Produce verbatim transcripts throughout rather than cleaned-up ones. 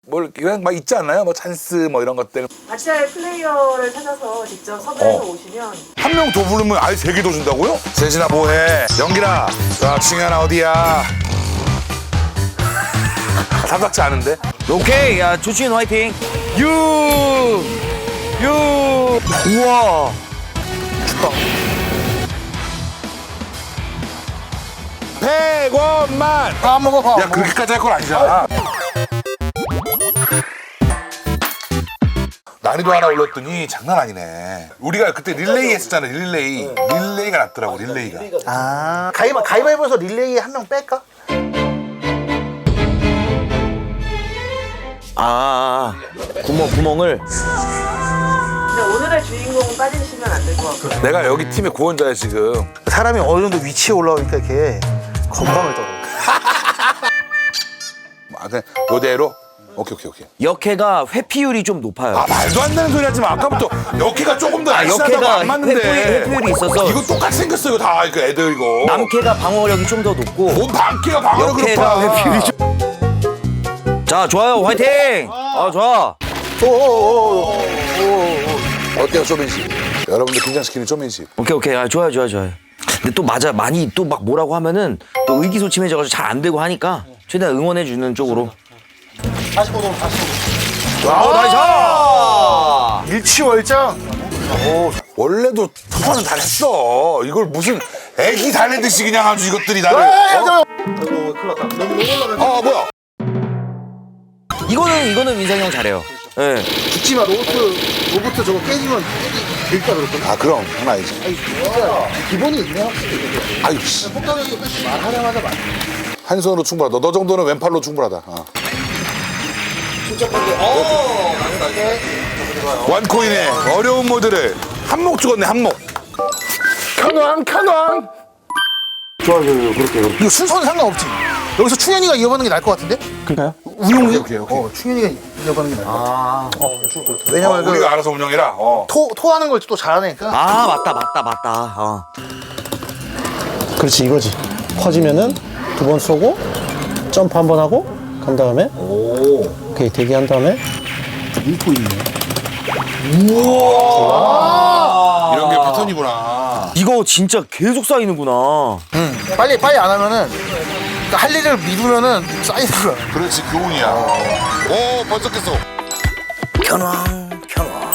뭐 이런 막 있지 않나요? 뭐 찬스 뭐 이런 것들. 같이 할 플레이어를 찾아서 직접 섭외해서 어. 오시면 한 명 더 부르면 아예 세 개 더 준다고요? 세진아 뭐해? 연기라. 자, 승현아 어디야? 삼박지 않은데? 오케이, 야, 조치인 화이팅. 유, 유. 우와. 백 원만. 밥 안 먹어, 밥. 야, 그렇게까지 할 건 아니잖아. 난이도 하나 올렸더니 장난 아니네. 우리가 그때 릴레이 했었잖아, 릴레이. 릴레이가 낫더라고, 릴레이가. 아, 가위바, 가위바위보에서 릴레이 한 명 뺄까? 아, 구멍, 구멍을. 근데 오늘의 주인공은 빠지시면 안 될 것 같고요. 내가 여기 팀의 구원자야, 지금. 사람이 어느 정도 위치에 올라오니까 이렇게 건방을 떨어. 아, 그냥 이대로? 오케이, 오케이, 오케이. 역해가 회피율이 좀 높아요. 아, 말도 안 되는 소리 하지 마. 아까부터 역해가 조금 더 날씬하다고 역해가 안 맞는데. 회피율이- 회피율이 있어서. 이거 똑같이 생겼어, 이거 다. 이거 애들 이거. 남캐가 방어력이 좀 더 높고. 뭔 남캐가 방어를 역해가 그렇다. 회피율이 좀. 자, 좋아요, 화이팅. 아, 좋아. 어때요, 쇼맨십? 여러분들 긴장시키는 쇼맨십. 오케이, 오케이. 아, 좋아요, 좋아요, 좋아요. 근데 또 맞아, 많이 또 막 뭐라고 하면은 또 의기소침해져가지고 잘 안 되고 하니까 최대한 응원해주는 쪽으로. 사십오 도 사십오 도. 어, 나이스! 일치월장. 원래도 투판은 다 했어. 이걸 무슨 애기 달래듯이 그냥 아주 이것들이 나를. 아이고, 어? 큰일 났다. 너무 너무 올라가. 어, 뭐야? 이거는, 이거는 민상이 형 잘해요. 예. 네. 죽지 마. 로봇, 로봇 저거 깨지면 될까 그랬거든. 아, 그럼. 장난 아니지. 아니, 진짜 기본이 있네, 확실히. 아유, 씨. 폭탄력이 말하자마자 말. 한 손으로 충분하다. 너, 너 정도는 왼팔로 충분하다. 어. 침착하게. 어, 당연하게. 원코인의 어려운 모드를 한몫 죽었네, 한몫. 칸왕, 칸왕. 좋아, 좋아, 그렇게, 그렇게. 이거 순서는 상관없지. 여기서 충현이가 이어받는 게 나을 것 같은데? 그러니까요? 운용이? 오케이, 오케이. 어, 충현이가 이어받는 게 나을 것 같아. 아. 어, 왜냐면 어, 그 우리가 알아서 운영해라. 어. 토, 토하는 걸 또 잘하니까. 아, 맞다, 맞다, 맞다. 어. 그렇지 이거지. 퍼지면은 두 번 쏘고 점프 한 번 하고 간 다음에 오. 오케이 대기한 다음에 밀고 있네. 이런 게 패턴이구나. 이거 진짜 계속 쌓이는구나. 응. 빨리, 빨리 안 하면은, 그러니까 할 일을 미루면은 쌓이는 거야. 그렇지, 교훈이야. 오, 번쩍했어. 편왕, 편왕.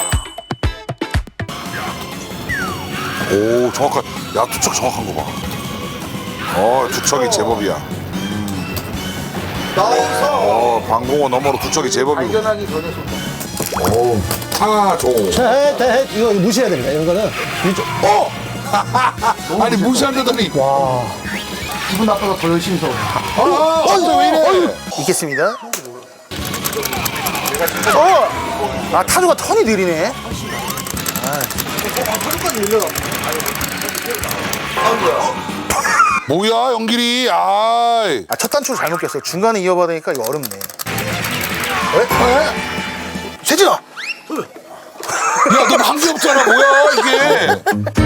오, 정확한. 야, 투척 정확한 거 봐. 어, 투척이 제법이야. 나와서 어, 방공호 너머로 투척이 제법이고. 발견하기 전에 쏜다. 오, 타조. 자, 해, 해, 해. 이거 무시해야 됩니다. 이런 거는 이쪽. 어! 아니, 무시한다더니. 와. 기분 나빠서 더 열심히 써. 아, 어, 왜 이래? 있겠습니다. 어! 아, 타조가 턴이 느리네. 뭐야, 연길이. 아이. 아, 첫 단추를 잘못 꼈어요. 중간에 이어받으니까 이거 어렵네. 에? 에? 세진아! 야, 너 방귀 없잖아. 뭐야, 이게.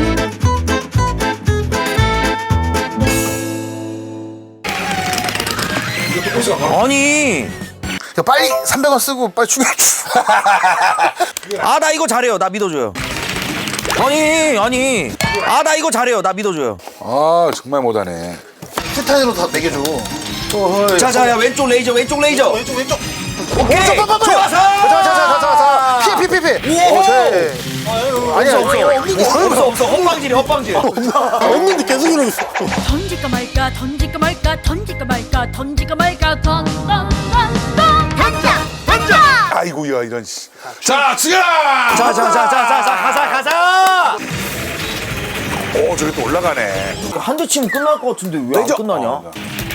아니. 야, 빨리 삼백 원 쓰고 빨리 충전. 아, 나 이거 잘해요. 나 믿어줘요. 아니, 아니. 아, 나 이거 잘해요. 나 믿어줘요. 아, 정말 못하네. 스타일로 다 매겨줘. 어, 자, 자, 야, 왼쪽 레이저, 왼쪽 레이저. 왼쪽, 왼쪽. 오케이. 왼쪽, 빨리, 빨리. 좋아서. 자, 자, 자, 자, 자, 자. 피해, 피해, 피해, 피해. 우와. 어, 제. 아니야, 없어, 없어. 없어, 없어. 헛방질이, 헛방질. 없는데 계속 이러고 있어. 던질까 말까 던질까 말까 던질까 말까 던질까 말까 던던던던 던져 던져 아이고, 야, 이런, 씨. 자, 승현아! 자, 자, 자, 자, 자, 자, 가자, 가자. 오, 저기 또 올라가네. 한 대 치면 끝날 것 같은데 왜 안 레이저. 끝나냐? 어,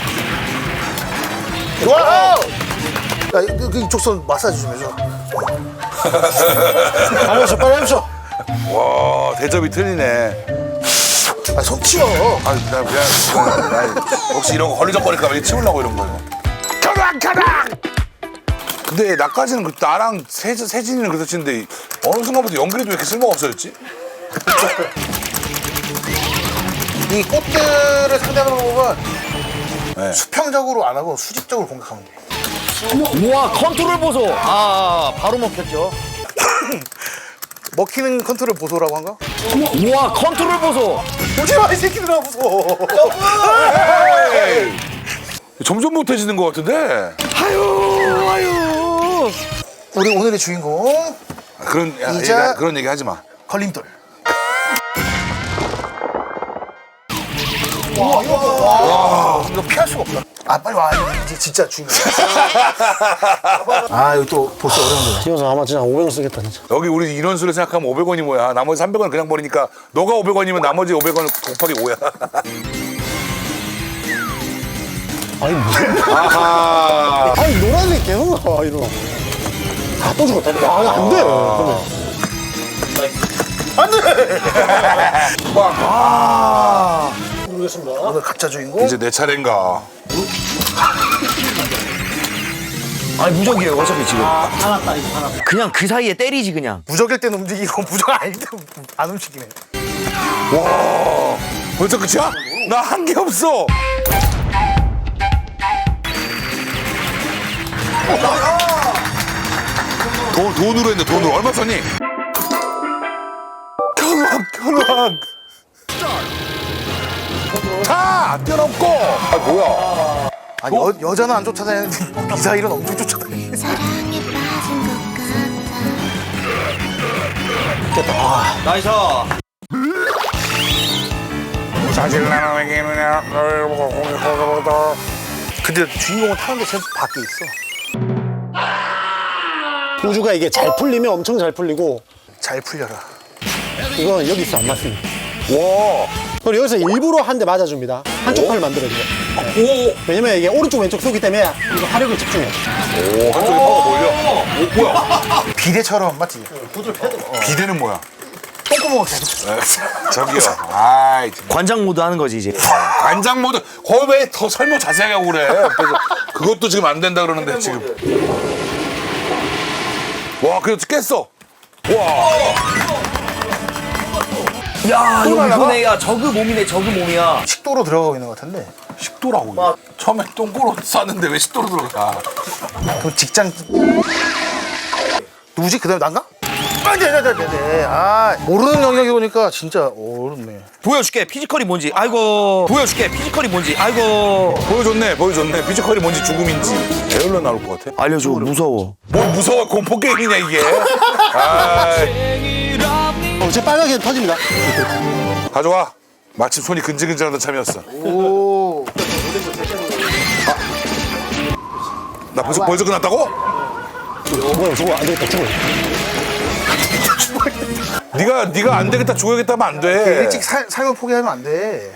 좋아! 야, 그, 그 이쪽 손 마사지 좀 해줘. 빨리 해줘, 빨리 해줘. 와, 대접이 틀리네. 아, 손 치워. 아, 나 그냥, 나 혹시 이런 거 걸리적거릴까 봐 치우려고 이런 거. 가락, 가락! 근데 나까지는 그 나랑 세, 세진이는 그렇다 치는데 어느 순간부터 연결이도 왜 이렇게 쓸모가 없어졌지? 이 꽃들을 상대하는 방법은 네. 수평적으로 안 하고 수직적으로 공격하면 돼. 우와 컨트롤 보소. 아 바로 먹혔죠. 먹히는 컨트롤 보소라고 한가? 우와 컨트롤 보소. 보지 마, 이 새끼들아, 무서워. 점점 못해지는 것 같은데. 아유 아유. 우리 오늘의 주인공 아, 그런 야, 이자- 얘기, 그런 얘기 하지 마. 걸림돌. 와, 이거 와, 이거 피할 수가 없다. 아, 빨리 와. 이제 진짜 주인공. 아, 이거 또 보스 어려운데. 이 녀석 아마 진짜 오백 원 쓰겠다 진짜. 여기 우리 인원수를 생각하면 오백 원이 뭐야. 나머지 삼백 원 그냥 버리니까 너가 오백 원이면 나머지 오백 원 곱하기 오야. 아니 무슨 아하. 아니 노란색 계속 나와 이러. 아또 죽었다. 아 안돼. 그러면. 모르겠습니다. 오늘 가짜 주인공. 이제 내 차례인가. 아니 무적이에요 어차피 지금. 아 화났다 이거 화났다. 그냥 그 사이에 때리지 그냥. 무적일 때는 움직이고 무적 아닐 때는 안 움직이네. 와. 벌써 끝이야? 나 한 게 없어. 돈, 돈으로 했네, 돈으로. 얼마 썼니? 견왕, 견왕. 다! 뛰어넘고! 아, 뭐야. 아니, 여, 여자는 안 쫓아다니는데 미사일은 엄청 쫓아다니네. 사랑에 빠진 것 같아. 나이스. 사실 나는 얘기는 근데 주인공은 타는데 쟤 밖에 있어. 우주가 이게 잘 풀리면 엄청 잘 풀리고 잘 풀려라. 이건 여기 있어 안 맞습니다. 와. 그리고 여기서 일부러 한 대 맞아줍니다. 한쪽 팔을 만들어줘요. 오! 왜냐면 이게 오른쪽 왼쪽 쏘기 때문에 이거 화력을 집중해요. 오, 한쪽에 파워가 몰려. 오, 뭐야. 비대처럼 맞지? 비대는 뭐야? 똥구멍을 계속. 저기요. 아이, 정말. 관장 모드 하는 거지 이제. 관장 모드. 거기 왜 더 설명 자세하게 하고 그래. 옆에서. 그것도 지금 안 된다 그러는데, 지금. 와, 그래도 깼어. 와. 야 이거 날아가? 이거네. 야 저그 몸이네 저그 몸이야. 식도로 들어가고 있는 것 같은데. 식도라고. 처음에 똥꼬로 쌌는데 왜 식도로 들어가? 그럼 직장. 누구지? 그 다음에 난가? 아, 네, 네, 네, 네, 네. 아, 모르는 영역이 오니까 진짜 어렵네. 보여줄게 피지컬이 뭔지. 아이고. 보여줄게 피지컬이 뭔지. 아이고. 보여줬네, 보여줬네. 피지컬이 뭔지 죽음인지. 에어로 나올 것 같아. 알려줘 무서워. 뭘 무서워, 공포 게임이냐, 이게. 아이, 어, 제 빨갛게 터집니다. 가져와. 마침 손이 근질근질하던 참이었어. 오. 나 벌써, 벌써 끝났다고? 뭐야 저거 안 되겠다 죽어. 네가 네가 안 되겠다 죽어야겠다 하면 안 돼. 일찍 살, 삶을 포기하면 안 돼.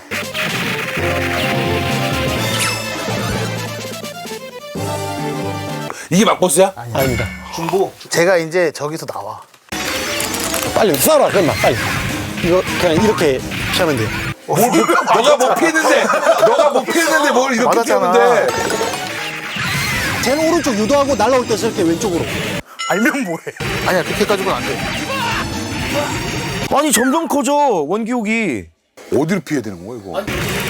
이게 막보스야? 아닙니다. 제가 이제 저기서 나와. 빨리 쏴라 그럼 빨리. 이거 그냥 이렇게 피하면 돼요. 뭘, 뭐, 너가 못 피했는데 너가 못 피했는데 뭘 이렇게 맞았잖아. 피하는데. 쟤는 오른쪽 유도하고 날라올 때 저렇게 왼쪽으로. 알면 뭐해. 아니야, 그렇게 가지고는 안 돼. 아니 점점 커져 원기옥이. 어디로 피해야 되는 거야 이거?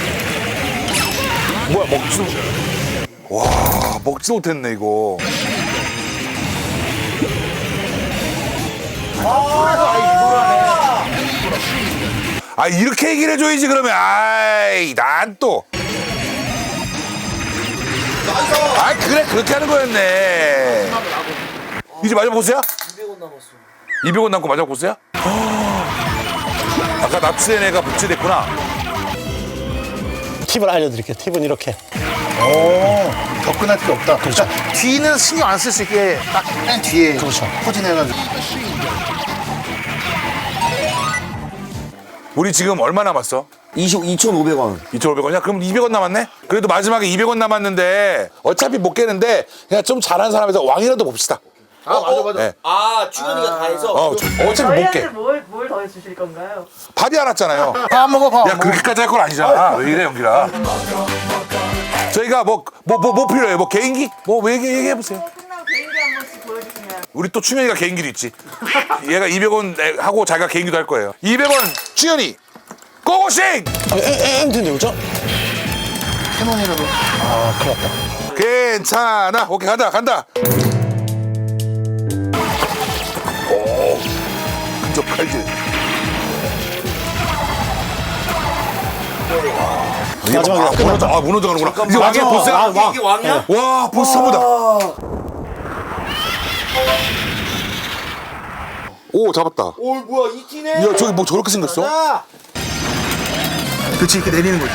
뭐야 먹지도 와 먹지도 못했네 이거. 아 이렇게 얘기를 해줘야지 그러면. 아이 난 또. 아 그래 그렇게 하는 거였네. 이제 마지막 보스야? 이백 원 남았어. 이백 원 남고 마지막 보스야? 아까 납치된 애가 복제됐구나. 팁을 알려드릴게요. 팁은 이렇게. 오, 접근할 필요 없다. 그렇죠. 뒤는 신경 안 쓸 수 있게 딱 맨 뒤에 그렇죠. 포진해가지고. 우리 지금 얼마 남았어? 이천오백 원. 이천오백 원이야? 그럼 이백 원 남았네? 그래도 마지막에 이백 원 남았는데 어차피 못 깨는데 그냥 좀 잘하는 사람에서 왕이라도 봅시다. 아, 맞아, 맞아. 네. 아 주현이가 다 해서. 어, 어차피 못 저희한테 깨. 뭘, 뭘 더해주실 건가요? 밥이 알았잖아요. 밥 먹어, 밥 야 먹어. 그렇게까지 할 건 아니잖아. 왜 이래 연기라. 저희가 뭐 뭐 뭐 뭐 필요해요? 뭐 개인기? 뭐 얘기 얘기해 보세요. 끝나고 개인기 한 번씩 보여주시면. 우리 또 추현이가 개인기도 있지. 얘가 이백 원 하고 자기가 개인기도 할 거예요. 이백 원 추현이 고고싱. 아, 엠 텐데 그죠? 캐논이라도. 아 큰일 났다. 괜찮아. 오케이 간다 간다. 오 근접 칼질. 마지막에 아, 무너져, 아 무너져 가는구나. 이제 왕이야 마지막, 보스야. 왕, 왕. 이게 왕이야? 와 보스 사보다. 오 잡았다. 오 뭐야 이 티네. 야 저기 뭐 저렇게 생겼어? 그렇지 이렇게 내리는 거지.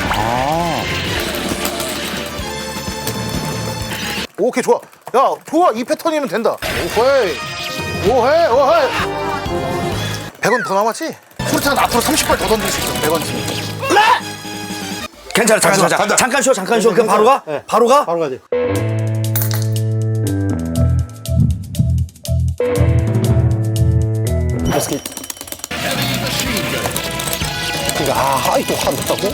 오케이 좋아. 야 좋아 이 패턴이면 된다. 오헤이 오헤이 오헤이. 백 원 더 남았지? 수류탄 앞으로 삼십 발 더 던질 수 있어. 백 원 치면. 괜찮아 잠깐 간다, 잠깐 간다. 잠깐 쉬어 잠깐 쉬어 그럼 바로 가? 네. 바로 가? 바로 가야 돼. 스키. 그러니까 아 하이 또 한다고?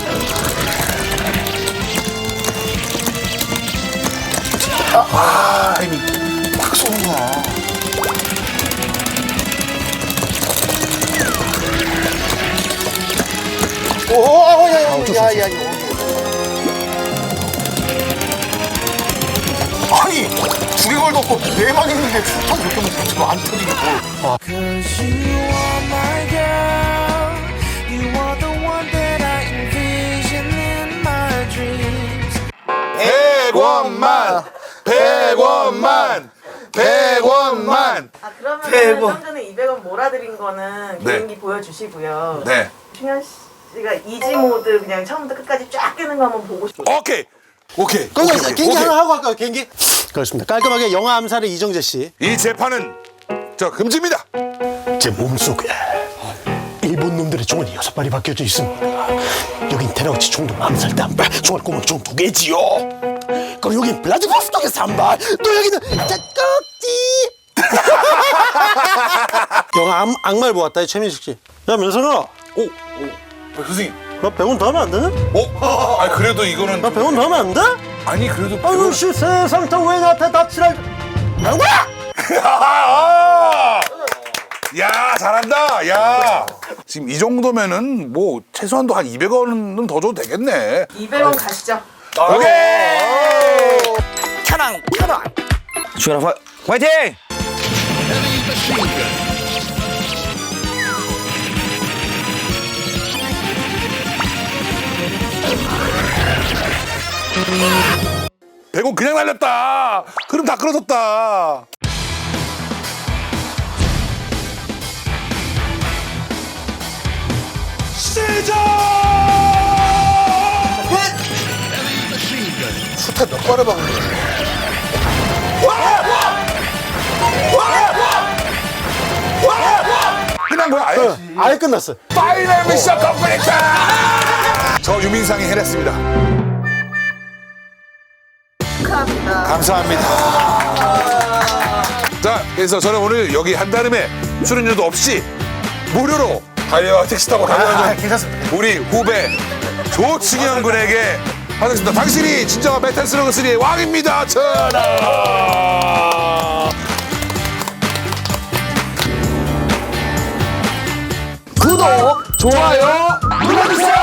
아 이미 팍 쏘는 거야. 오야야야야 이거. 아니 두 개 걸놓고 네만 있는데 수탄 그렇게 먹고 지금 안 터지게 뭘. 백 원만 백 원만 백 원만. 아 그러면 백 원. 좀 전에 이백 원 몰아드린 거는 네. 개인기 보여주시고요. 네. 충현 씨가 이지 모드 그냥 처음부터 끝까지 쫙 끄는 거 한번 보고 싶어요. 오케이 오케이. 그럼 오케이, 오케이, 개인기 오케이. 하나 하고 할까요? 개인기? 그렇습니다. 깔끔하게 영화 암살의 이정재 씨. 이 재판은 저 금지입니다. 제 몸속에 일본 놈들의 총알이 여섯 발이 박혀져 있습니다. 여긴 테라우치 총독 암살 때 한 발, 총알 구멍 총 두 개지요. 그리고 여긴 블라디보스톡에서 한 발, 또 여기는 짝꼭지. 영화 악, 악말 보았다, 최민식 씨. 야, 면선아, 오, 오. 아, 선생님. 나 백 원 더 하면 안 되나? 어? 아 그래도 이거는 나 백 원 더 하면 안 돼? 아니 그래도 아유, 씨, 세상 다왜 나한테 납치를. 뭐야? 아! 야 잘한다. 야 지금 이 정도면은 뭐 최소한도 한 이백 원은 더 줘도 되겠네. 이백 원 가시죠. 오케이. 켜랑 켜랑. 주현아 화, 화이팅! 백 원 그냥 날렸다. 그럼 다 끌어졌다. 시작! 수탄 몇 발을 박은 거야? 끝난 거야 아예? 아예 끝났어. 파이널 미션 컴플리트! 저 유민상이 해냈습니다. 축하합니다. 감사합니다. 자, 그래서 저는 오늘 여기 한다름에 출연료도 없이 무료로 달려와 택시 타고 아, 달려온 괜찮습니다. 우리 후배 조충현 군에게 받았습니다. 당신이 진정한 메탈 슬러그 쓰리의 왕입니다. 전하! 구독, 좋아요 눌러주세요.